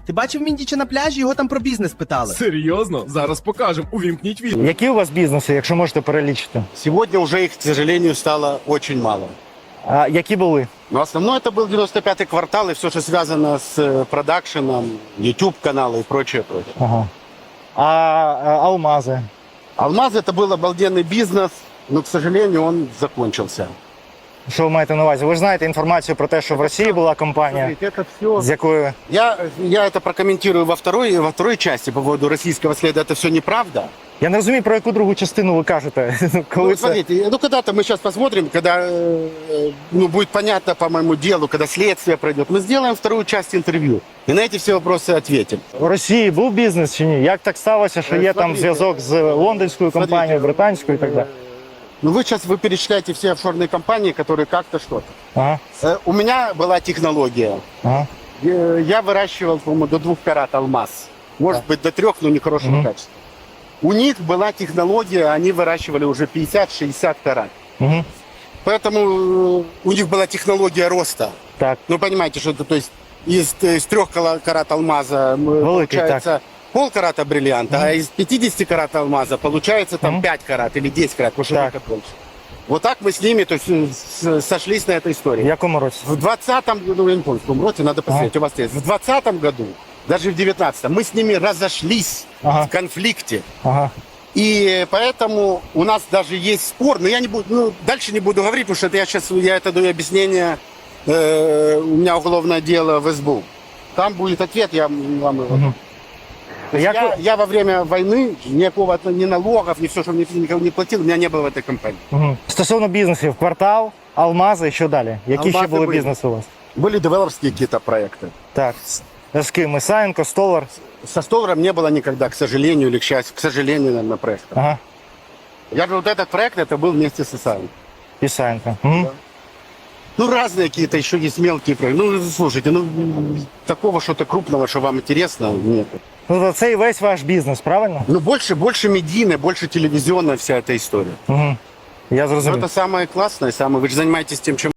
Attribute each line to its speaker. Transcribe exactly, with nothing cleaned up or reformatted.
Speaker 1: Ти бачив Міндіча на пляжі? Його там про бізнес питали.
Speaker 2: Серйозно? Зараз покажемо. Увімкніть відео.
Speaker 3: Які у вас бізнеси, якщо можете перелічити?
Speaker 4: Сегодня уже их, к сожалению, стало очень мало.
Speaker 3: А які були?
Speaker 4: Но основное это был девяносто пятый квартал и все, что связано с э, продакшеном, YouTube-каналы и прочее, прочее.
Speaker 3: Ага. А, а алмази?
Speaker 4: Алмаз это был обалденный бизнес, но, к сожалению, он закончился.
Speaker 3: Що ви маєте на увазі? Ви ж знаєте інформацію про те, що в Росії була компанія,
Speaker 4: Смотрите, это все...
Speaker 3: з якою...
Speaker 4: Я, я это прокомментирую во второй, во второй части по поводу российского следа. Это все неправда.
Speaker 3: Я не розумію, про яку другу частину ви кажете. Коли
Speaker 4: Ну,
Speaker 3: це...
Speaker 4: смотрите, ну когда-то мы сейчас посмотрим, когда э, ну, будет понятно по моему делу, когда следствие пройдет, мы сделаем вторую часть интервью. И на эти все вопросы ответим.
Speaker 3: В Росії був бізнес чи ні? Як так сталося, що є там
Speaker 4: Смотрите,
Speaker 3: зв'язок з лондонською компанією, британською і так далі?
Speaker 4: Ну вы сейчас вы перечисляете все офшорные компании, которые как-то что-то.
Speaker 3: Ага,
Speaker 4: Э, У меня была технология.
Speaker 3: ага.
Speaker 4: Э, Я выращивал, по-моему, до двух карат алмаз. Может быть, до трех, но нехорошего
Speaker 3: Мгм.
Speaker 4: качества. У них была технология, они выращивали уже пятьдесят-шестьдесят карат.
Speaker 3: Угу.
Speaker 4: Поэтому э, у них была технология роста.
Speaker 3: Так,
Speaker 4: Ну, понимаете, что это, то есть из, из трех кала- карат алмаза м,
Speaker 3: Великий,
Speaker 4: получается полкарата бриллианта, а из пятидесяти карат алмаза получается там
Speaker 3: Мгм.
Speaker 4: пять карат или десять карат, потому что
Speaker 3: Так.
Speaker 4: это больше. Вот так мы с ними то есть, э, с- сошлись на этой
Speaker 3: в
Speaker 4: истории.
Speaker 3: якому році?
Speaker 4: В двадцатом году, я не помню, в каком роте, надо посмотреть, у вас есть. В двадцатом году, даже в девятнадцатом, мы с ними разошлись
Speaker 3: Ага.
Speaker 4: в конфликте.
Speaker 3: Ага.
Speaker 4: И поэтому у нас даже есть спор, но я не буду, ну, дальше не буду говорить, потому что это я сейчас, я это даю объяснение, э, у меня уголовное дело в СБУ. Там будет ответ, я вам его.
Speaker 3: Мгм.
Speaker 4: То есть
Speaker 3: Як
Speaker 4: я,
Speaker 3: ви-
Speaker 4: я во время войны никакого ни налогов, ни все, что мне никого не платил, у меня не было в этой компании.
Speaker 3: Угу. Стосовно бізнесів, квартал, алмази, що далі? Які ще
Speaker 4: Алмази
Speaker 3: були
Speaker 4: були.
Speaker 3: бізнеси у вас?
Speaker 4: Были девелоперские какие-то проекты.
Speaker 3: Так, з ким? Ісаєнко, Столар?
Speaker 4: Со Столаром не было никогда, к сожалению или к счастью, к сожалению, наверное, проекта.
Speaker 3: Ага,
Speaker 4: Я говорю, вот этот проект, это был вместе с ИСАем.
Speaker 3: Ісаєнко. Угу.
Speaker 4: Ну, разные какие-то еще есть мелкие проекты. Ну, слушайте, ну, такого что-то крупного, что вам интересно, нет.
Speaker 3: Ну, то це і весь ваш бізнес, правильно?
Speaker 4: Ну, больше, больше медийная, больше телевизионная вся эта история.
Speaker 3: Угу. Я
Speaker 4: Ну,
Speaker 3: зрозумів.
Speaker 4: это самое классное, самое... Вы же занимаетесь тем, чем